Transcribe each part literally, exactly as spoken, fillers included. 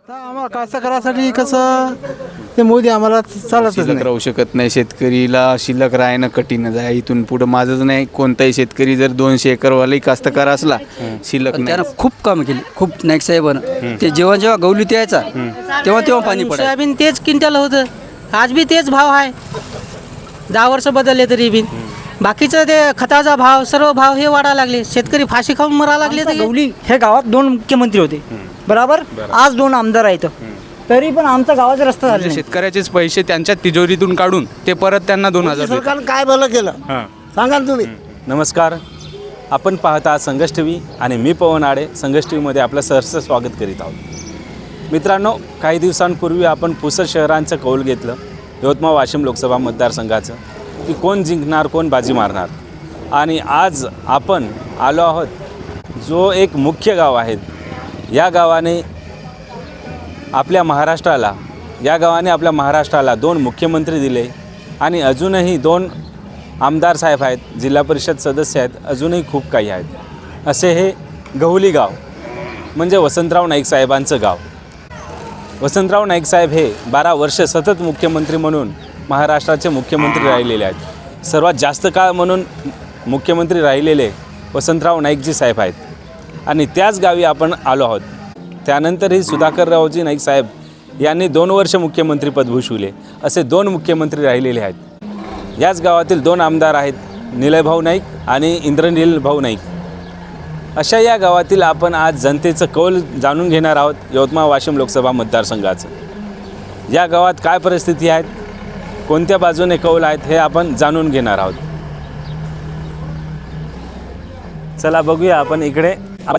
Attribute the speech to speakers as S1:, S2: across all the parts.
S1: तर आम्हाला कास्तकारासाठी कसं ते मोदी आम्हाला चालतच
S2: शिल्लक
S1: नाही.
S2: राहू शकत नाही. शेतकरीला शिल्लक राहणं कठीणच आहे. इथून पुढं माझंच नाही, कोणताही शेतकरी जर दोनशे एकरवालाही कास्तकार असला शिल्लक
S3: पण
S2: नाही.
S3: त्यानं खूप कामं केली, खूप नाईक साहेबानं. ते जेव्हा जेव्हा गौलीत यायचा तेव्हा तेव्हा पाणी पडायचं.
S4: सोयाबीन तेच क्विंटल होतं, आज बी तेच भाव आहे. दहा वर्ष बदलले तरी बी बाकीचं ते खताचा भाव सर्व भाव हे वाढायला लागले. शेतकरी फाशी खाऊन मरायला लागले. तर
S5: गवली हे गावात दोन मुख्यमंत्री होते, बरोबर. आज दोन आमदार आहेत, तरी पण आमचा गावाचा रस्ता झाला
S2: म्हणजे
S5: नाही.
S2: शेतकऱ्याचेच पैसे त्यांच्या तिजोरीतून काढून ते परत त्यांना दोन हजार देतात.
S6: सरकारनं काय भलं केलं सांगा ना तुम्ही.
S7: नमस्कार, आपण पाहता संघर्ष टी व्ही आणि मी पवन आडे संघर्ष टी व्हीमध्ये आपलं सहर्ष स्वागत करीत आहोत. मित्रांनो, काही दिवसांपूर्वी आपण पुसद शहरांचं कौल घेतलं, यवतमाळ वाशिम लोकसभा मतदारसंघाचं, की कोण जिंकणार, कोण बाजी मारणार. आणि आज आपण आलो आहोत जो एक मुख्य गाव आहे. या गावाने आपल्या महाराष्ट्राला या गावाने आपल्या महाराष्ट्राला दोन मुख्यमंत्री दिले आणि अजूनही दोन आमदार साहेब आहेत, जिल्हा परिषद सदस्य आहेत, अजूनही खूप काही आहेत. असे हे गहुली गाव म्हणजे वसंतराव नाईक साहेबांचं गाव. वसंतराव नाईक साहेब हे बारा वर्ष सतत मुख्यमंत्री म्हणून महाराष्ट्राचे मुख्यमंत्री राहिलेले आहेत. सर्वात जास्त काळ म्हणून मुख्यमंत्री राहिलेले वसंतराव नाईकजी साहेब आहेत. आणि त्याच गावी आपण आलो आहोत. त्यानंतरही सुधाकररावजी नाईक साहेब यांनी दोन वर्ष मुख्यमंत्रीपद भूषविले. असे दोन मुख्यमंत्री राहिलेले आहेत. याच गावातील दोन आमदार आहेत, निलयभाऊ नाईक आणि इंद्रनील भाऊ नाईक. अशा या गावातील आपण आज जनतेचं कौल जाणून घेणार आहोत, यवतमाळ वाशिम लोकसभा मतदारसंघाचं. या गावात काय परिस्थिती आहेत, कोणत्या बाजूने कौल आहेत, हे आपण जाणून घेणार आहोत. चला बघूया आपण इकडे.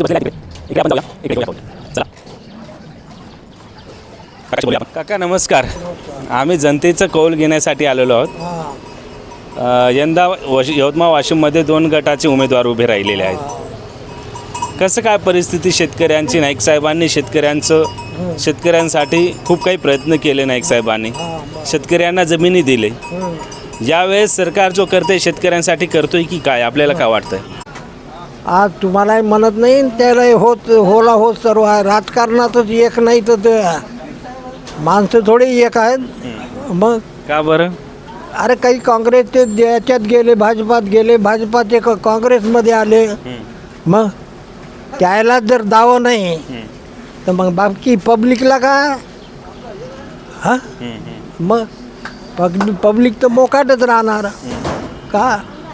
S7: काका नमस्कार, आम्ही जनतेचं कौल घेण्यासाठी आलेलो आहोत. यंदा वश यवतमाळ वाशिममध्ये दोन गटाचे उमेदवार उभे राहिलेले आहेत. कसं काय परिस्थिती शेतकऱ्यांची? नाईक साहेबांनी शेतकऱ्यांचं शेतकऱ्यांसाठी खूप काही प्रयत्न केले. नाईक साहेबांनी शेतकऱ्यांना जमिनी दिले. यावेळेस सरकार जो करते शेतकऱ्यांसाठी करतोय की काय, आपल्याला काय वाटतंय?
S6: आज तुम्हालाही म्हणत नाही, त्याला होत होला होत सर्व आहे. राजकारणातच एक नाही तर ते माणसं थोडी एक आहेत. मग
S7: का बरं?
S6: अरे काही काँग्रेसचे याच्यात गेले, भाजपात गेले, भाजपाचे क- काँग्रेसमध्ये आले. मग त्याला जर दावं नाही तर मग बाकी पब्लिकला का? हां मग पब्लिक पब्लिक तर मोकाटच राहणार का?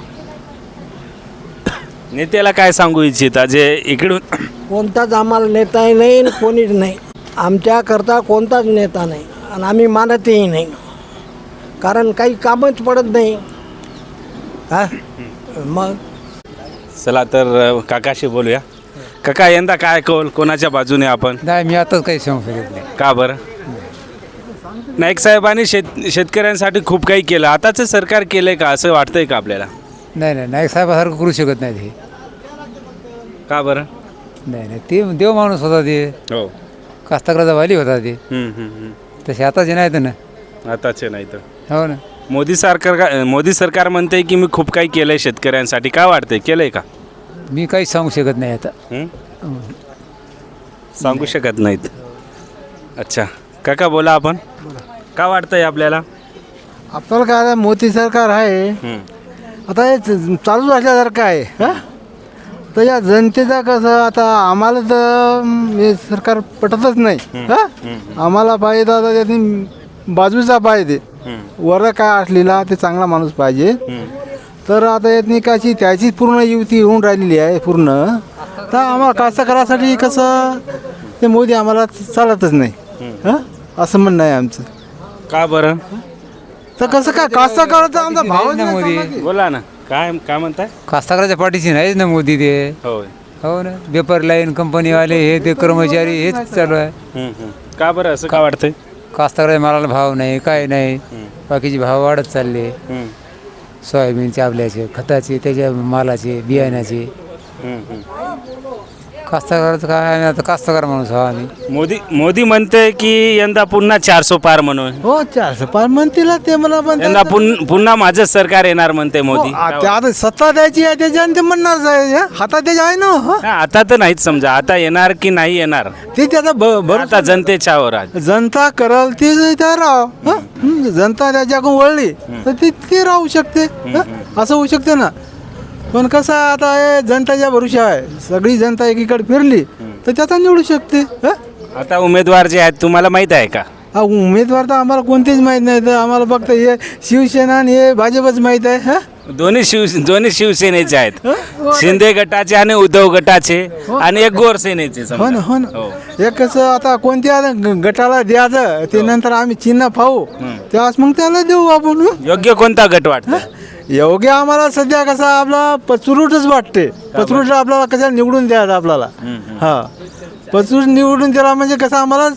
S7: नेत्याला काय सांगू इच्छिता जे इकडून?
S6: कोणताच आम्हाला नेताही नाही आणि कोणीच नाही. आमच्याकरता कोणताच नेता नाही आणि आम्ही मानतही नाही, कारण काही कामच पडत नाही. हा मग
S7: चला तर काकाशी बोलूया. काका, यंदा काय कौल, कोणाच्या बाजूने आपण?
S1: नाही, मी आताच काही सांगू शकत नाही.
S7: का बरं? नाईक साहेबांनी शेत शेतकऱ्यांसाठी खूप काही केलं. आताचं सरकार केलंय का असं वाटतंय का आपल्याला?
S1: नाही नाही नाईक साहेबासारखं करू शकत नाही ते.
S7: का बरं?
S1: नाही नाही ते देव माणूस होता ते,
S7: हो.
S1: कास्तकाराचा वाली होता ते.
S7: हम्म, हम्म, हम्म.
S1: तसे आताचे नाहीत ना.
S7: आताचे नाही तर.
S1: हो ना.
S7: मोदी सरकार का मोदी सरकार म्हणते की मी खूप काही केलंय शेतकऱ्यांसाठी. काय वाटतंय, केलंय का?
S1: मी काहीच सांगू शकत नाही आता.
S7: हम्म? सांगू शकत नाहीत. अच्छा काका, बोला आपण. काय वाटतंय आपल्याला?
S1: आपल्याला काय आता मोदी सरकार आहे,
S7: हम्म.
S1: आता हे च- चालूच असल्यासारखं आहे. हां तर या जनतेचा कसं आता आम्हाला तर म, हे सरकार पटतच नाही. हां आम्हाला पाहिजे तर आता त्यातनी बाजूचा पाहिजे, वर काय असलेला ते चांगला माणूस पाहिजे. तर आता यातनी काची त्याची पूर्ण युती होऊन राहिलेली आहे पूर्ण. तर आम्हाला कास्तकारासाठी कसं ते मोदी आम्हाला चालतच नाही. हां असं म्हणणं आहे आमचं.
S7: का बरं?
S1: तर कसं काय कास्तकाराचा आमचा भाव
S5: मोदी
S7: बोला ना. काय काय म्हणताय?
S5: कास्तकाराच्या पाठीशी नाहीच ना मोदी ते.
S7: होय.
S5: हो ना. पेपर लाईन कंपनीवाले हे ते कर्मचारी हेच चालू आहे.
S7: हम्म, हम्म. का बरं असं का वाटतंय?
S5: कास्तकाराच्या मालाला भाव नाही, काय नाही. बाकीचे भाव वाढत चालले.
S7: हम्म,
S5: सोयाबीनचे, आपल्याचे, खताचे, त्याच्या मालाचे, बियाण्याचे.
S7: हम्म, हम्म.
S3: कास्तकाराचं काय आता कास्तकार माणूस हा आम्ही
S7: मोदी मोदी म्हणते की यंदा पुन्हा चारसो पार म्हणून
S1: हो चारशे पाच म्हणतील ते मला पण
S7: यंदा पुन- पुन्हा माझं सरकार येणार म्हणते मोदी
S1: हो, आ- ते आता सत्ता द्यायची आहे त्याच्याने ते म्हणणार आहे, हा? हातात त्याच्या आहे ना हो.
S7: हा, आता तर नाहीच समजा आता येणार की नाही येणार
S1: ते त्याचा भ- भर
S7: आता जनतेच्या वर आहे.
S1: जनता करल ते त्या राव हं? हं, जनता त्याच्याकडून वळली तर ती ती राहू शकते हं? असं होऊ शकते ना. पण कसं आहे, आता हे जनताच्या भरोशा आहे, सगळी जनता एकीकडे फिरली तर त्याचा निवडू शकते हं?
S7: आता उमेदवार जे आहेत तुम्हाला माहित आहे का?
S1: हा उमेदवार तर आम्हाला कोणतेच माहीत नाही, तर आम्हाला फक्त हे शिवसेना आणि हे भाजपच माहीत आहे हं?
S7: दोन्ही शिव दोन्ही शिवसेनेचे आहेत, शिंदे गटाचे आणि उद्धव गटाचे आणि एक गोरसेनेचे समजा.
S1: हो ना हो ना
S7: हो.
S1: हे कसं आता कोणत्या ग- गटाला द्यायचं ते नंतर आम्ही चिन्ह पाहू तेव्हाच मग त्याला देऊ आपण हं?
S7: योग्य कोणता गट वाटतं?
S1: योग्य आम्हाला सध्या कसं आपला पचरूटच वाटते. पचरूट आपल्याला कशा निवडून द्यायचं आपल्याला हा पचरूट निवडून दिला म्हणजे कसं आम्हाला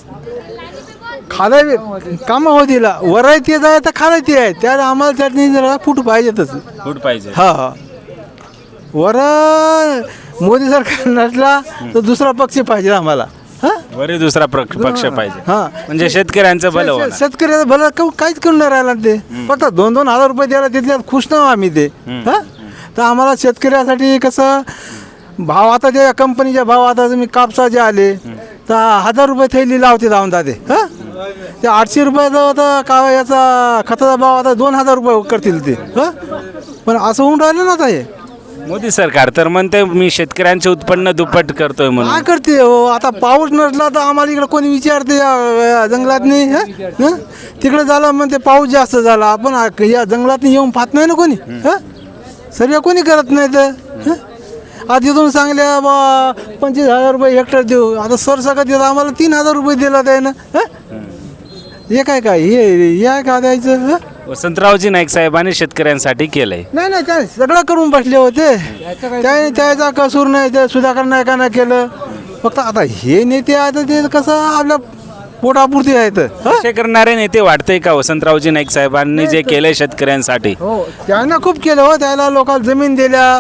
S1: खाला कामं होतील, वराय ते जाय तर खाला ते आहे त्यात आम्हाला चटणी जरा फूट पाहिजेतच.
S7: फूट पाहिजे.
S1: हा हा वर मोदी सरकार नसला तर दुसरा पक्ष पाहिजे आम्हाला हा
S7: वरी दुसरा प्रक- पक्ष पाहिजे
S1: हा
S7: म्हणजे शेतकऱ्यांचं भलं होणार.
S1: शेतकऱ्याचं भलं का- काहीच करून नाही राहिला ते फक्त दोन दोन हजार रुपये द्यायला तिथल्यात खुश ना आम्ही ते हा तर आम्हाला शेतकऱ्यासाठी कसं भाव आता त्या कंपनीच्या भाव आता तुम्ही कापसाचे आले तर हजार रुपये थैली लावते जाऊन जाते हा ते आठशे रुपयाचा होता का याचा खताचा भाव आता दोन हजार रुपये करतील ते हा पण असं होऊन राहिलं ना आता हे
S7: मोदी सरकार तर म्हणते मी शेतकऱ्यांचे उत्पन्न दुप्पट करतोय म्हणून.
S1: काय करते हो आता पाऊस नसला तर आम्हाला इकडे कोणी विचारते या जंगलात नाही तिकडे झाला म्हणते पाऊस जास्त झाला आपण आ- या जंगलात येऊन पाहत नाही ना कोणी हं? सर्व कोणी करत नाही तर हं? आता तिथून सांगल्या बा पंचवीस हजार रुपये हेक्टर देऊ आता सरसकट देत आम्हाला तीन हजार रुपये दिला त्यानं हं? हे काय काय हे हे काय द्यायचं हं?
S7: वसंतरावजी नाईक साहेबांनी शेतकऱ्यांसाठी केलंय.
S1: नाही नाही त्या सगळं करून बसले होते त्याने त्याचा कसूर नाही ते सुधाकर नायकानं केलं फक्त आता हे नेते आहेत ते कसं आपल्या पोटापुरती आहेत हं?
S7: असे करणारे नेते वाटतंय का वसंतरावजी नाईक साहेबांनी जे केलंय शेतकऱ्यांसाठी?
S1: हो त्यानं खूप केलं हो त्याला लोकांना जमीन दिल्या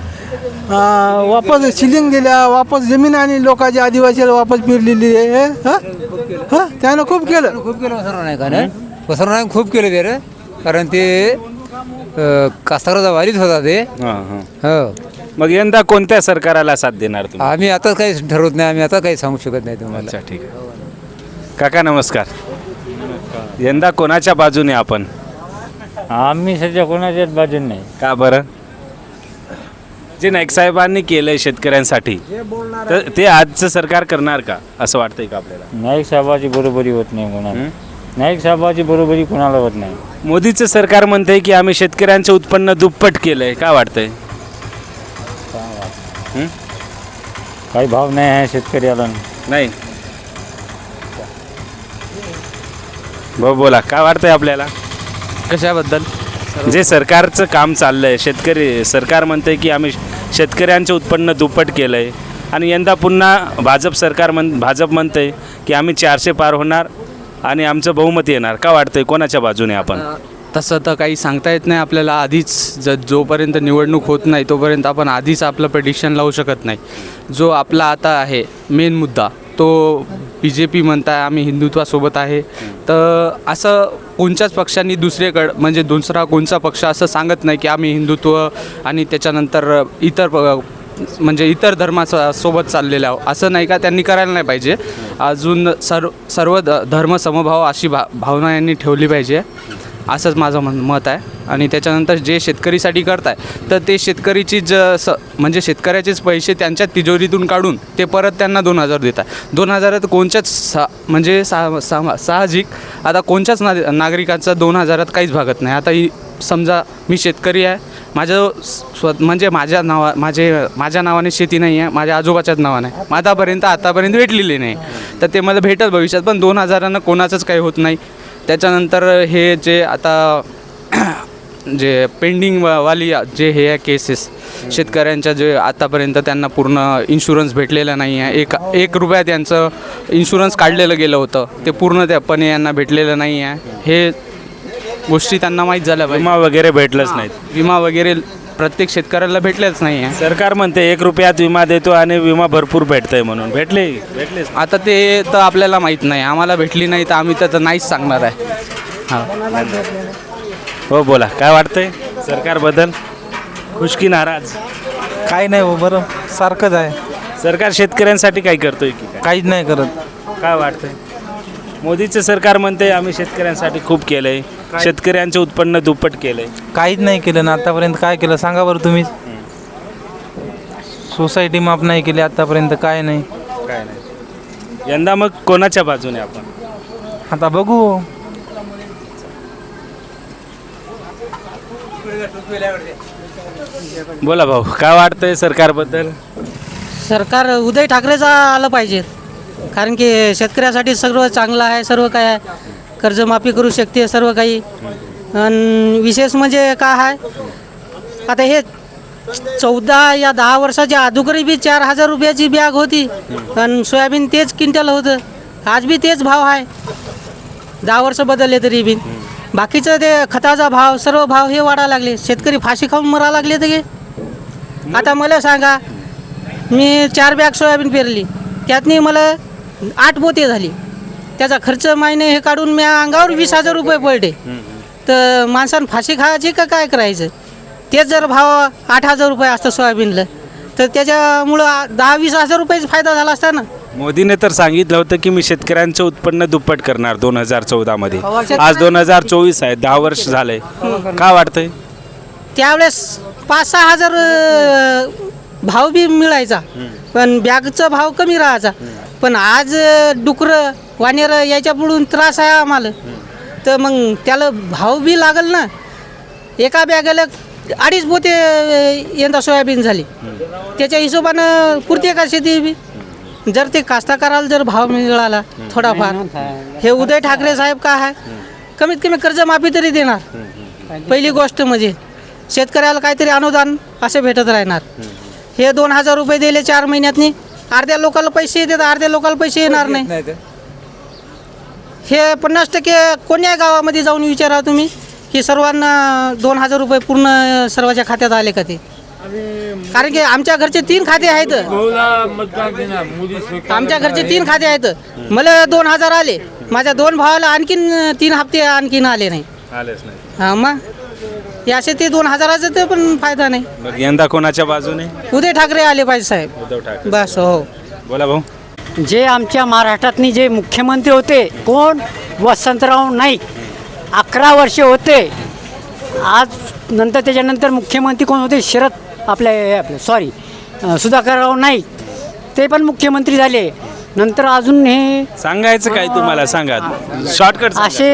S1: अं, वापस शिलिंग दिल्या वापस जमीन आणि लोकांच्या आदिवासीला वापस फिरलेली आहे हं? हं? त्यानं खूप केलं
S3: खूप केलं वसंतराव नाईकाने वसंतराव नाईक खूप केलं ते रे कारण ते अं, कास्तकाराचा वारीच होता ते
S7: हां, हां.
S3: हो
S7: मग यंदा कोणत्या सरकाराला साथ देणार तुम्ही?
S3: आम्ही आता काही ठरवत नाही आम्ही आता काही सांगू शकत नाही तुम्हाला
S7: अच्छा ठीक आहे. काका नमस्कार. यंदा कोणाच्या बाजूने आपण?
S8: आम्ही सध्या कोणाच्याच बाजून नाही.
S7: का बरं? जे नाईक साहेबांनी केलंय शेतकऱ्यांसाठी तर ते आजचं सरकार करणार का असं वाटतंय का आपल्याला?
S8: नाईक साहेबाची बरोबरी होत नाही कोणाला. नाईक साहेबाची बरोबरी कोणाला होत नाही.
S7: मोदीचं सरकार म्हणतंय की आम्ही शेतकऱ्यांचं उत्पन्न दुप्पट केलंय, काय वाटतंय? हं?
S8: काही भाव नाही आहे शेतकऱ्याला.
S7: नाही भाऊ बोला, काय वाटतंय आपल्याला?
S2: कशाबद्दल?
S7: जे सरकारचं काम चाललंय शेतकरी सरकार म्हणतंय की आम्ही शेतकऱ्यांचं उत्पन्न दुप्पट केलंय आणि यंदा पुन्हा भाजप सरकार म्हण भाजप म्हणतंय की आम्ही चारशे पार होणार आणि आमचं बहुमत येणार, का वाटतंय कोणाच्या बाजूने आपण?
S2: तसं तर काही सांगता येत नाही आपल्याला आधीच. ज जोपर्यंत निवडणूक होत नाही तोपर्यंत आपण आधीच आपलं प्रेडिक्शन लावू शकत नाही. जो आपला आता आहे मेन मुद्दा तो बी जे पी म्हणताय आम्ही हिंदुत्वासोबत आहे, तर असं कोणत्याच पक्षांनी दुसरेकडं म्हणजे दुसरा कोणता पक्ष असं सांगत नाही की आम्ही हिंदुत्व आणि त्याच्यानंतर इतर प- म्हणजे इतर धर्माचा सोबत चाललेलं आहो असं नाही का. त्यांनी करायला नाही पाहिजे. अजून सर्व सर्व ध धर्म समभाव अशी भा भावना यांनी ठेवली पाहिजे असंच माझं मन मत आहे. आणि त्याच्यानंतर जे शेतकरीसाठी करताय तर ते शेतकरीची ज स म्हणजे शेतकऱ्याचेच पैसे त्यांच्या तिजोरीतून काढून ते परत त्यांना दोन हजार देतात. दोन हजारात कोणत्याच सा म्हणजे सा सा साहजिक आता कोणत्याच ना नागरिकाचा दोन हजारात काहीच भागत नाही. आता ही समजा मी शेतकरी आहे, माझं स्व म्हणजे माझ्या नावा माझे माझ्या नावाने शेती नाही आहे, माझ्या आजोबाच्याच नावाने आहे, आतापर्यंत आतापर्यंत भेटलेली नाही, तर ते मला भेटत भविष्यात पण दोन हजारानं कोणाचंच काही होत नाही. त्याच्यानंतर हे जे आता जे पेंडिंग वा वाली जे हे आहे केसेस शेतकऱ्यांच्या जे आतापर्यंत त्यांना पूर्ण इन्शुरन्स भेटलेला नाही आहे, एक एक रुपया त्यांचं इन्शुरन्स काढलेलं गेलं होतं ते पूर्ण त्यापणे यांना भेटलेलं नाही आहे. हे गोष्टी त्यांना माहीत झाल्या पाहिजे.
S7: विमा वगैरे भेटलंच नाहीत.
S2: विमा वगैरे प्रत्येक शेतकऱ्याला भेटलेच नाही आहे.
S7: सरकार म्हणते एक रुपयात विमा देतो आणि विमा भरपूर भेटतंय म्हणून भेटले भेटलेच
S2: आता ते तर आपल्याला माहीत नाही, आम्हाला भेटली नाही तर आम्ही तर नाहीच सांगणार आहे. हां
S7: हो बोला काय वाटतंय सरकारबद्दल खुश की नाराज?
S1: काही नाही हो, बरं सारखंच आहे,
S7: सरकार शेतकऱ्यांसाठी काय करतोय की काय
S1: काहीच नाही करत.
S7: काय वाटतंय? मोदीचं सरकार म्हणते आम्ही शेतकऱ्यांसाठी खूप केलंय, शेतकऱ्यांचं उत्पन्न दुप्पट केलंय.
S1: काहीच नाही केलं ना आतापर्यंत. काय केलं सांगा बरं तुम्ही. सोसायटी माफ नाही केली आतापर्यंत, काय नाही.
S7: काय नाही. यंदा मग कोणाच्या बाजूने आपण?
S1: आता बघू.
S7: बोला भाऊ काय वाटतंय सरकारबद्दल?
S4: सरकार उदय ठाकरेचा आलं पाहिजे, कारण की शेतकऱ्यासाठी सर्व चांगलं आहे, सर्व काय आहे, कर्जमाफी करू शकते सर्व काही. आणि विशेष म्हणजे काय आहे, आता हे चौदा या दहा वर्षाच्या अगोदर बी चार हजार रुपयाची बॅग होती आणि सोयाबीन तेच क्विंटल होतं. आज बी तेच भाव आहे, दहा वर्ष बदलले तरी बी. बाकीचं ते खताचा भाव सर्व भाव हे वाढायला लागले, शेतकरी फाशी खाऊन मरायला लागले. तर हे आता मला सांगा, मी चार बॅग सोयाबीन पेरली, त्यातनी मला आठ पोते झाली, त्याचा खर्च महिने हे काढून मी अंगावर वीस हजार रुपये पडले. तर माणसानं फाशी खायची का काय करायचं? तेच जर भाव आठ हजार रुपये असतं सोयाबीनला, तर त्याच्यामुळं दहा वीस हजार रुपयाचा फायदा झाला असता ना.
S7: मोदीने तर सांगितलं होतं की मी शेतकऱ्यांचं उत्पन्न दुप्पट करणार दोन हजार चौदा मध्ये. आज दोन हजार चोवीस आहे, दहा वर्ष झाले. काय वाटतंय?
S4: त्यावेळेस पाच सहा हजार अं, भाव बी मिळायचा, पण बॅगचा भाव कमी राहायचा. पण आज डुकरं वानेरं याच्या पुढून त्रास आहे आम्हाला, तर मग त्याला भाव बी लागल ना. एका बॅगेला अडीच पोते यंदा सोयाबीन झाली, त्याच्या हिशोबानं पुरते का शेती बी. जर ते कास्तकाराला जर भाव मिळाला थोडाफार, हे उदय ठाकरे साहेब काय आहे, कमीत कमी कर्जमाफी तरी देणार. पहिली गोष्ट म्हणजे शेतकऱ्याला काहीतरी अनुदान असे भेटत राहणार. हे दोन हजार रुपये दिले चार महिन्यातनी, अर्ध्या लोकांना पैसे येतात, अर्ध्या लोकांना पैसे येणार नाही. हे पन्नास टक्के कोण्या गावामध्ये जाऊन विचारा तुम्ही की सर्वांना दोन हजार रुपये पूर्ण सर्वांच्या खात्यात आले का ते. कारण की आमच्या घरचे तीन खाते आहेत, आमच्या घरचे तीन खाते आहेत. मला दोन हजार आले, माझ्या दोन भावाला आणखीन तीन हप्ते आणखीन आले नाही.
S7: आलेच नाही.
S4: हां मग हे असे ते दोन हजाराचं ते पण फायदा नाही.
S7: मग यंदा कोणाच्या बाजूने?
S4: उदय ठाकरे आले पाहिजे साहेब,
S7: उद्धव ठाकरे.
S4: बस. हो
S7: बोला भाऊ.
S5: जे आमच्या महाराष्ट्रातनी जे मुख्यमंत्री होते, कोण? वसंतराव नाईक. अकरा वर्षे होते. आज नंतर त्याच्यानंतर मुख्यमंत्री कोण होते? शरद आपले आपले सॉरी सुधाकरराव नाईक, ते पण मुख्यमंत्री झाले. नंतर अजून हे
S7: सांगायचं काय तुम्हाला? सांगा शॉर्टकट.
S5: असे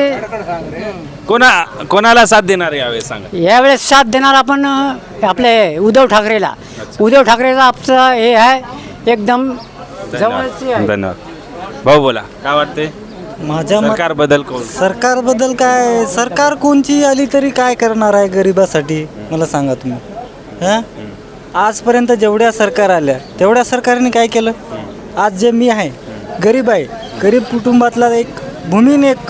S7: कोणा कोणाला साथ देणार यावेळेस सांगा.
S5: यावेळेस साथ देणार आपण अ, आपले उद्धव ठाकरेला. उद्धव ठाकरेचा आमचं हे आहे एकदम जवळचे आहे.
S7: धन्यवाद भाऊ. बोला काय वाटते
S6: माझ्या मत-
S7: सरकारबद्दल? कोण?
S6: सरकारबद्दल काय, सरकार कोणची आली तरी काय करणार आहे गरिबासाठी मला सांगा तुम्ही. हां आजपर्यंत जेवढ्या सरकार आल्या तेवढ्या सरकारने काय केलं? आज जे मी आहे गरीब आहे, गरीब कुटुंबातला एक भूमीन एक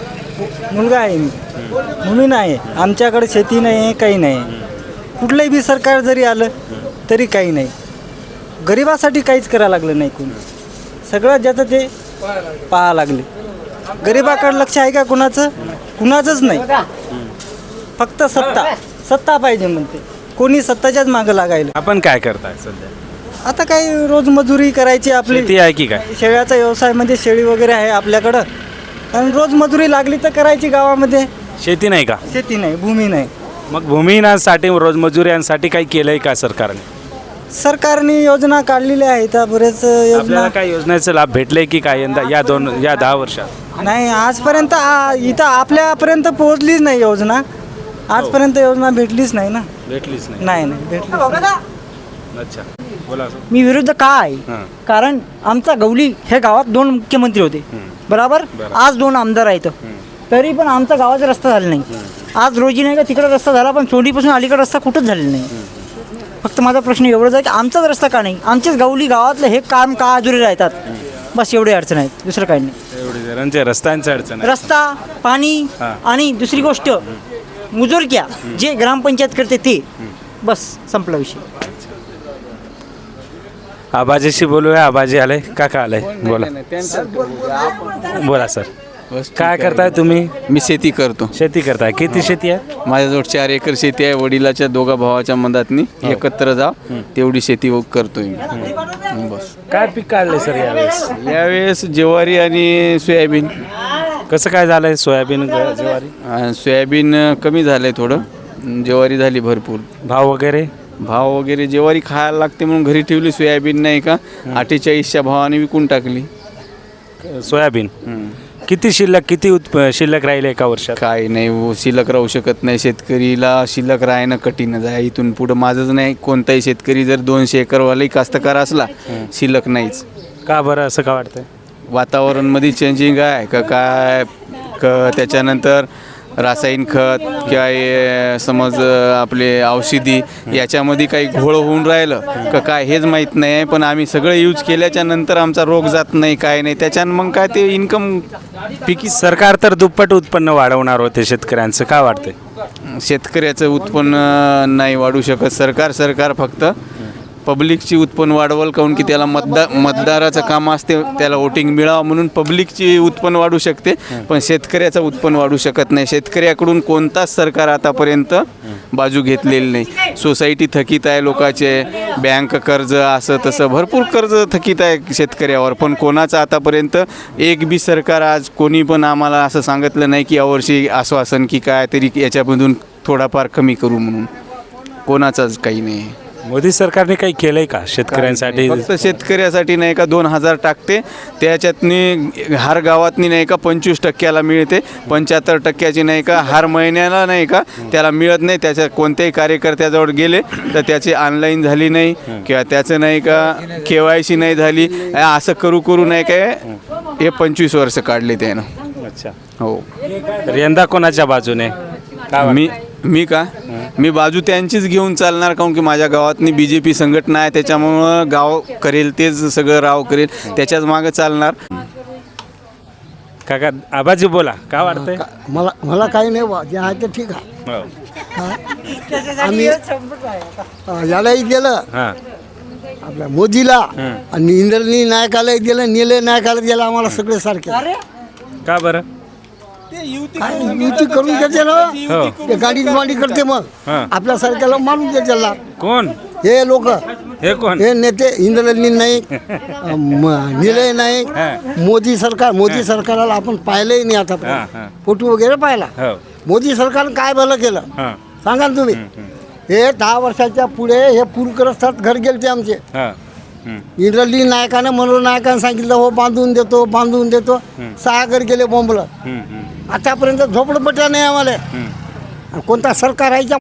S6: मुलगा आहे मी, भूमीन आहे. आमच्याकडे शेती नाही आहे, काही नाही. कुठलंही बी सरकार जरी आलं तरी काही नाही, गरिबासाठी काहीच करायला लागलं नाही कोणी. सगळं ज्याचं ते पाहा लागले. गरिबाकडे लक्ष आहे का कुणाचं? कुणाचंच नाही. फक्त सत्ता सत्ता पाहिजे म्हणते, कोणी सत्ताच्याच मागं लागायला.
S7: आपण काय करताय सध्या?
S6: आता काही रोज मजुरी करायची आपली.
S7: शेती आहे की काय?
S6: शेळ्याचा व्यवसाय म्हणजे शेळी वगैरे आहे आपल्याकडं, आणि रोज मजुरी लागली तर करायची गावामध्ये.
S7: शेती नाही का?
S6: शेती नाही, भूमी नाही.
S7: मग भूमिहीनांसाठी रोजमजुऱ्यांसाठी काही केलंय का सरकारने?
S6: सरकारने योजना काढलेल्या आहेत बरेच योजना.
S7: आपल्याला काय योजनेचा लाभ भेटले की काय यंदा या दोन या दहा वर्षात?
S6: नाही आजपर्यंत आ- इथं आपल्यापर्यंत पोहोचलीच नाही योजना. आजपर्यंत योजना भेटलीच नाही ना.
S7: भेटलीच नाही.
S6: नाही नाही भेटलीच नाही.
S7: अच्छा बोला.
S5: मी विरुद्ध का आहे?
S7: हां.
S5: कारण आमचा गवली हे गावात दोन मुख्यमंत्री होते, बरोबर. आज दोन आमदार आहेत, तरी पण आमचा गावाचा रस्ता झाला नाही. आज रोजी नाही का तिकडे रस्ता झाला, पण चोंडीपासून अलीकडे रस्ता कुठंच झालेला नाही. फक्त माझा प्रश्न एवढाच आहे की आमचाच रस्ता का नाही? आमचेच गवली गावातलं हे काम का अधुरे राहतात? बस एवढी अडचण आहेत, दुसरं काही नाही.
S7: एवढी जणांच्या रस्त्यांची अडचण आहे.
S5: रस्ता, पाणी
S7: हां.
S5: आणि दुसरी गोष्ट मुजोरक्या जे ग्रामपंचायत करते ते बस संपला विषय.
S7: आबाजीशी बोलूया. आबाजी आले, काका आले, बोला बोला सर. काय करताय तुम्ही?
S2: मी शेती करतो.
S7: शेती करताय. किती शेती आहे?
S2: माझ्याजवळ चार एकर शेती आहे. वडिलाच्या दोघा भावाच्या मधातनी एकत्र जा तेवढी शेती करतोय मी. बस.
S7: काय पीक काढले सर यावेळेस?
S2: यावेळेस ज्वारी आणि सोयाबीन.
S7: कसं काय झालंय सोयाबीन ज्वारी?
S2: अं, सोयाबीन कमी झालं आहे थोडं, ज्वारी झाली भरपूर.
S7: भाव वगैरे?
S2: भाव वगैरे ज्वारी खायला लागते म्हणून घरी ठेवली, सोयाबीन नाही का अठ्ठेचाळीसच्या भावाने विकून टाकली.
S7: सोयाबीन किती शिल्लक किती उत्प शिल्लक राहिले एका वर्षात?
S2: काय नाही हो, शिल्लक राहू शकत नाही. शेतकरीला शिल्लक राहणं कठीणच आहे. इथून पुढं माझंच नाही, कोणताही शेतकरी जर दोनशे एकरवालाही कास्तकार असला शिल्लक नाहीच.
S7: का बरं असं का वाटतंय?
S2: वातावरणमध्ये चेंजिंग आहे का काय, क त्याच्यानंतर रासायनिक खत किंवा हे समज आपले औषधी याच्यामध्ये काही घोळ होऊन राहिलं का काय हेच माहीत नाही आहे. पण आम्ही सगळं यूज केल्याच्या नंतर आमचा रोग जात नाही, काय नाही. त्याच्यानं मग काय ते इन्कम पिकी.
S7: सरकार तर दुप्पट उत्पन्न वाढवणार होते शेतकऱ्यांचं, काय वाटतंय?
S2: शेतकऱ्याचं उत्पन्न नाही वाढू शकत सरकार. सरकार फक्त पब्लिकची उत्पन्न वाढवल, काऊन की त्याला मतदार मतदाराचं काम असते, त्याला वोटिंग मिळावं म्हणून पब्लिकची उत्पन्न वाढू शकते, पण शेतकऱ्याचं उत्पन्न वाढू शकत नाही. शेतकऱ्याकडून कोणताच सरकार आतापर्यंत बाजू घेतलेली नाही. सोसायटी थकीत आहे लोकांचे, बँक कर्ज असं तसं भरपूर कर्ज थकीत आहे शेतकऱ्यावर. पण कोणाचं आतापर्यंत एक बी सरकार आज कोणी पण आम्हाला असं सांगितलं नाही की यावर्षी आश्वासन की काय तरी याच्यामधून थोडाफार कमी करू म्हणून. कोणाचाच काही नाही.
S7: मोदी सरकारने काही केलंय का शेतकऱ्यांसाठी?
S2: फक्त शेतकऱ्यासाठी नाही का दोन हजार टाकते, त्याच्यातनी हर गावातनी नाही का पंचवीस टक्क्याला मिळते, पंच्याहत्तर टक्क्याची नाही का हर महिन्याला नाही का त्याला मिळत नाही. त्याच्या कोणत्याही कार्यकर्त्याजवळ गेले तर त्याची ऑनलाईन झाली नाही किंवा त्याचं नाही का के वाय सी नाही झाली, असं करू करू नाही काय हे पंचवीस वर्ष काढले त्यानं.
S7: अच्छा.
S2: हो.
S7: तर यंदा कोणाच्या बाजूने?
S2: मी मी का मी बाजू त्यांचीच घेऊन चालणार, काऊन की माझ्या गावातनी बी जे पी संघटना आहे, त्याच्यामुळं गाव करेल तेच सगळं राव करेल, त्याच्याच मागं चालणार.
S7: काका आबाजी बोला, काय वाटतंय?
S6: मला मला काही नाही बा, जे आहे ते ठीक आहे.
S7: हो.
S6: आम्ही अं, यालाही दिलं
S7: हां.
S6: आपल्या मोदीला आणि इंद्रनी नायकालाही दिलं, निलय नायकाला दिलं. आम्हाला सगळे सारखे.
S7: का बरं?
S6: काय युती करून घेते ना,
S7: हो.
S6: ते गाडी मांडी करते मग
S7: हां.
S6: आपल्या सारख्याला मारून देते.
S7: कोण
S6: हे लोक,
S7: हे कोण?
S6: हे नेते इंद्रनी नाईक, निलय नाईक,
S7: हां.
S6: मोदी सरकार. मोदी सरकारला आपण पाहिलंही नाही आता,
S7: हां, हां.
S6: फोटो वगैरे पाहिला.
S7: हो.
S6: मोदी सरकारनं काय भलं केलं
S7: हां.
S6: सांगा ना तुम्ही. हे दहा वर्षाच्या पुढे हे पूरग्रस्तात घर गेलते आमचे.
S7: हां.
S6: इंद्रली नायकानं मनोहर नायकानं सांगितलं हो बांधून देतो बांधून देतो. सहा घर गेले बोंबलं. आतापर्यंत झोपडपट्ट्या नाही आम्हाला. आणि कोणता सरकार आहे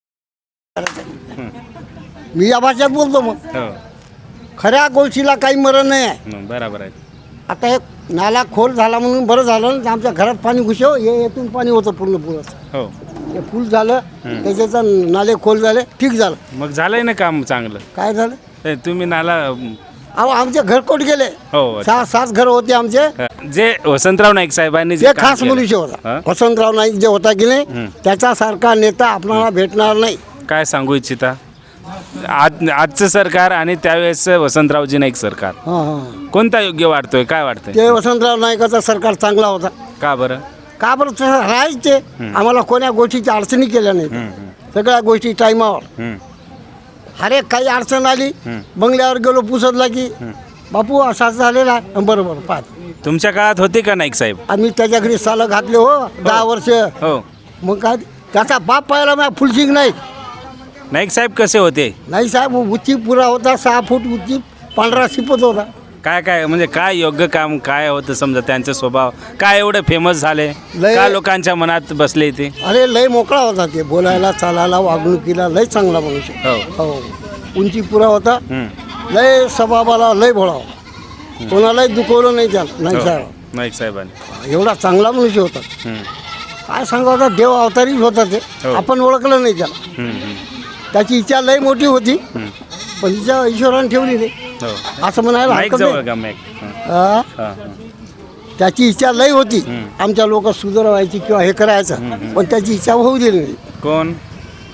S6: मी या भाषेत बोलतो. मग
S7: हो.
S6: खऱ्या गोष्टीला काही मरण नाही आहे.
S7: बरोबर आहे.
S6: आता हे नाला खोल झाला म्हणून बरं झालं ना, आमच्या घरात पाणी घुसव, हे येथून पाणी होतं पूर्ण पुरं.
S7: हो.
S6: हे फुल झालं त्याच्याचं नाले खोल झाले, ठीक झालं.
S7: मग झालंय ना काम चांगलं.
S6: काय झालं?
S7: ते तुम्ही नाला
S6: अहो आमचे घरकोट गेले.
S7: हो.
S6: सहा सात घर होते आमचे.
S7: जे वसंतराव नाईक साहेबांनी जे
S6: जे
S7: काम
S6: खास
S7: केलं.
S6: मनुष्य
S7: हां?
S6: होता वसंतराव नाईक जे होता की नाही, त्याच्यासारखा नेता आपल्याला भेटणार नाही.
S7: काय सांगू इच्छिता? आज आजचं सरकार आणि त्यावेळेस वसंतरावजी नाईक सरकार
S6: हां हां
S7: कोणता योग्य वाटतोय? काय वाटतंय?
S6: ते वसंतराव नाईकाचा सरकार चांगला होता.
S7: का बरं?
S6: का बरं तसं राहायच ते. आम्हाला कोण्या गोष्टीची अडचणी केल्या नाही. सगळ्या गोष्टी टायमावर.
S7: हं.
S6: हर एक काही अडचण आली बंगल्यावर गेलो पुसतला की बापू असाच झालेला आहे. बरोबर पाहत
S7: तुमच्या काळात होते का नाईक साहेब?
S6: आम्ही त्याच्या घरी सालं घातले हो दहा वर्ष.
S7: हो.
S6: मग काय त्याचा बाप पाहिला मग फुलसिंग नाही.
S7: नाईक साहेब कसे होते?
S6: नाही साहेब उंची पुरा होता, सहा फूट उंची, पांढरा शिपत होता.
S7: काय काय म्हणजे काय योग्य काम काय होतं समजा त्यांचा स्वभाव काय एवढे फेमस झाले
S6: लय-
S7: का लोकांच्या मनात बसले ते?
S6: अरे लय मोकळा होता ते, बोलायला चालायला वागणुकीला लय चांगला मनुष्य.
S7: हो.
S6: हो उंची पुरा होता,
S7: हं.
S6: लय स्वभावाला लय भोळा होता. कोणालाही दुखवलं नाही त्याला. नाही
S7: हो.
S6: साहेब
S7: नाईक साहेबांनी.
S6: एवढा चांगला मनुष्य होता.
S7: हं.
S6: काय सांगा होता, देव अवतारीच होता ते.
S7: हो.
S6: आपण ओळखलं नाही त्याला.
S7: हं, हं.
S6: त्याची इच्छा लय मोठी होती, पण तिच्या ईश्वराने ठेवली नाही
S7: हो.
S6: असं म्हणायला
S7: नाईक
S6: हरकत
S7: जवळ
S6: नाही.
S7: का मॅक? हं.
S6: हा?
S7: हां, हां.
S6: त्याची इच्छा लय होती आमच्या लोक सुधारवायची किंवा हे करायचं, पण त्याची इच्छा होऊ दिली नाही.
S7: कोण?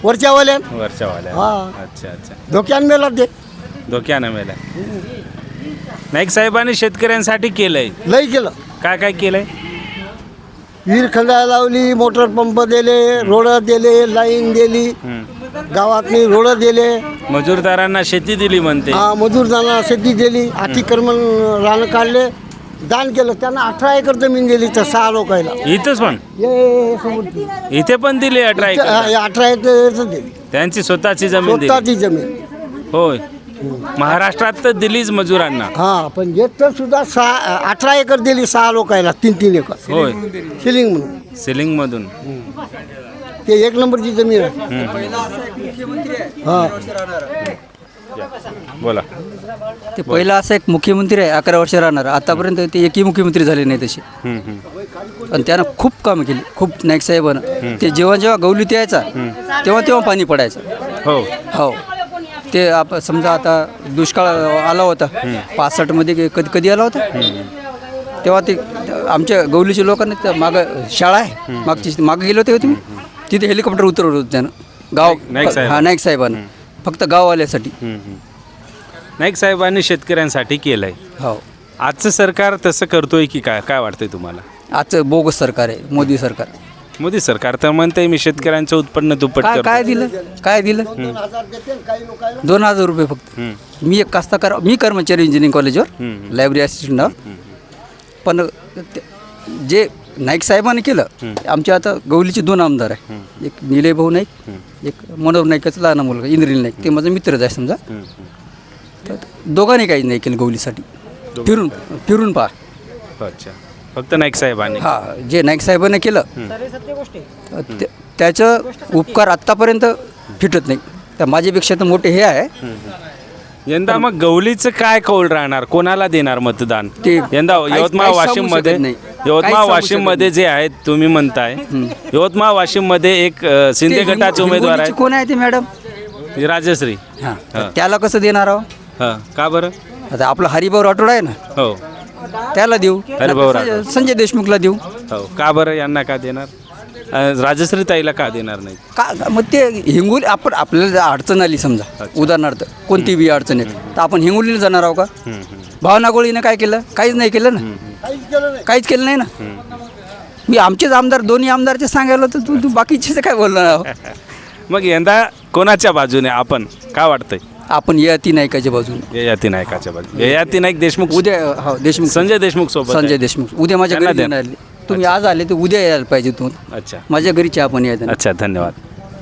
S6: वरच्यावाल्या
S7: वरच्या वाल्या
S6: हा.
S7: अच्छा अच्छा
S6: धोक्यान मेला ते
S7: धोक्यानं मेला. नाईक साहेबांनी शेतकऱ्यांसाठी केलंय,
S6: लई केलं.
S7: काय काय केलंय?
S6: विहीर खंडाळा लावली, मोटर पंप दिले, रोड दिले, लाईन दिली, गावातनी रोड दिले,
S7: मजूरदारांना शेती दिली म्हणते.
S6: हा मजूरदारांना शेती दिली, अतिक्रमण रान काढले, दान केलं. त्यांना अठरा एकर जमीन दिली तर सहा लोकायला.
S7: इथंच पण
S6: हे समोर ती.
S7: इथे पण दिली अठरा एकर.
S6: हा, हे अठरा एकर दिली
S7: त्यांची स्वतःची जमीन दिली.
S6: स्वतःची जमीन.
S7: होय, महाराष्ट्रात तर दिलीच मजुरांना.
S6: हा पण येत सुद्धा सहा अठरा एकर दिली सहा लोकायला, तीन तीन एकर
S7: होय,
S6: सिलिंग म्हणून.
S7: सिलिंग मधून.
S6: ते एक नंबरची जमीन आहे. हा
S7: बोला.
S5: ते पहिला असं एक मुख्यमंत्री आहे, अकरा वर्ष राहणार. आतापर्यंत ते एकही मुख्यमंत्री झाले नाही तसे.
S7: हम्म, हम्म.
S5: आणि त्यानं खूप कामं केली, खूप नाईक साहेबानं. ते जेव्हा जेव्हा गौलीत यायचा तेव्हा तेव्हा पाणी पडायचं.
S7: हो
S5: हो, ते आप समजा आता दुष्काळ आला होता पासष्टमध्ये की कधी कधी आला होता, तेव्हा ते आमच्या गौलीच्या लोकांनी त्या मागं शाळा आहे मागची, मागं गेले होते का तुम्ही? तिथे हेलिकॉप्टर उतरवलं होतं त्यानं गाव.
S7: नाईक साहेब.
S5: हा, नाईक साहेबानं फक्त गाववाल्यासाठी.
S7: हम्म, हम्म. नाईक साहेबांनी शेतकऱ्यांसाठी केलंय.
S5: हो,
S7: आजचं सरकार तसं करतोय की काय, काय वाटतंय तुम्हाला?
S5: आजचं बोगस सरकार आहे मोदी सरकार.
S7: मोदी सरकार तर म्हणतंय मी शेतकऱ्यांचं उत्पन्न दुप्पट
S5: काय
S7: करतो.
S5: काय दिलं काय दिलं दोन हजार रुपये फक्त. मी एक कास्तकार, मी कर्मचारी इंजिनिअरिंग कॉलेजवर लायब्ररी असिस्टंटवर. पण ते- जे नाईक साहेबांनी केलं, आमच्या आता गौलीचे दोन आमदार आहे, एक निलय भाऊ नाईक, एक मनोहर नाईकाचा लहान मुलगा इंद्रिल नाईक, ते माझा मित्रच आहे समजा. तर दोघांनी काही नाही केलं गौलीसाठी. फिरून फिरून पहा.
S7: अच्छा, फक्त नाईक साहेबांनी.
S5: हा, जे नाईक साहेबांनी केलं त्या- त्याचं उपकार आत्तापर्यंत फिटत नाही. तर माझ्यापेक्षा तर मोठे हे आहे.
S7: यंदा मग गौलीचं काय कौल राहणार, कोणाला देणार मतदान?
S5: ते
S7: यंदा
S5: काहीच-
S7: यवतमाळ
S5: काहीच
S7: वाशिम
S5: सांगू
S7: मध्ये
S5: शकत नाही. काहीच
S7: यवतमाळ
S5: सांगू
S7: वाशिम
S5: शकत
S7: मध्ये जे आहेत तुम्ही म्हणताय, यवतमाळ वाशिम मध्ये एक अ, शिंदे
S5: ते
S7: गटाचे
S5: हिंगो-
S7: उमेदवार
S5: हिंगोलीची कोण आहे ते मॅडम?
S7: आहेत, राजश्री.
S5: हां,
S7: हां.
S5: त्याला कसं देणार आहो?
S7: हा, का बरं?
S5: आता आपला हरिभाऊ राठोड आहे ना,
S7: हो
S5: त्याला देऊ.
S7: हरिभाऊ
S5: संजय-
S7: राठोड.
S5: संजय देशमुखला देऊ.
S7: हो, का बरं यांना का देणार? अ, राजश्री ताईला का देणार नाही?
S5: का मग ते हिंगोली, आपण आपल्याला जर अडचण आली समजा, उदाहरणार्थ कोणती बी अडचण येत, तर आपण हिंगोलीला जाणार आहो का? भावना गोळीनं काय केलं? काहीच नाही केलं ना, काहीच केलं नाही ना. मी आमचेच आमदार, दोन्ही आमदारचे सांगायला तर तू तू बाकीचे काय बोलणार आहो?
S7: मग यंदा कोणाच्या बाजूने आपण, काय वाटतंय?
S5: आपण ययाती नायकाच्या बाजूने.
S7: ययाती नायकाच्या बाजूने. ययाती नाईक देशमुख,
S5: उद्या हो देशमुख,
S7: संजय देशमुख सोबत
S5: संजय
S7: आहे.
S5: देशमुख उद्या माझ्या
S7: त्यांना
S5: घरी
S7: द्या.
S5: येणार आले. तुम्ही आज आले तर उद्या यायला पाहिजे तुम्ही.
S7: अच्छा
S5: माझ्या घरी चहा पण यायचं.
S7: अच्छा, धन्यवाद.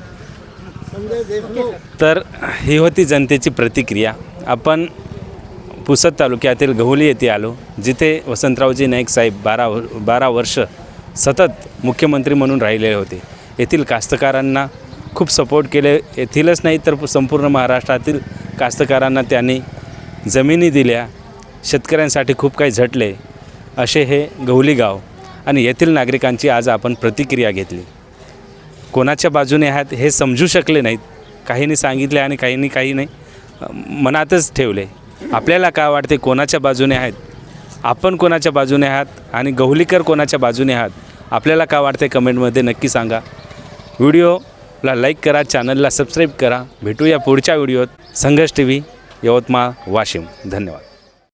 S7: तर ही होती जनतेची प्रतिक्रिया. आपण पुसद तालुक्यातील गहुली येथे आलो, जिथे वसंतरावजी नाईक साहेब बारा बारा वर्ष सतत मुख्यमंत्री म्हणून राहिलेले होते. येथील कास्तकारांना खूप सपोर्ट केले. येथीलच नाही तर संपूर्ण महाराष्ट्रातील कास्तकारांना त्यांनी जमिनी दिल्या, शेतकऱ्यांसाठी खूप काही झटले. असे हे गहुली गाव आणि येथील नागरिकांची आज आपण प्रतिक्रिया घेतली. कोणाच्या बाजूने आहात हे समजू शकले नाहीत. काहींनी सांगितले आणि काहींनी काही नाही मनातच ठेवले. आपल्याला काय वाटते, कोणाच्या बाजूने आहेत आपण, कोणाच्या बाजूने आहात आणि गहुलीकर कोणाच्या बाजूने आहात, आपल्याला काय वाटते कमेंटमध्ये नक्की सांगा. व्हिडिओला लाईक करा, चॅनलला सबस्क्राईब करा. भेटूया पुढच्या व्हिडिओत. संघर्ष टी व्ही, यवतमाळ, वाशिम. धन्यवाद.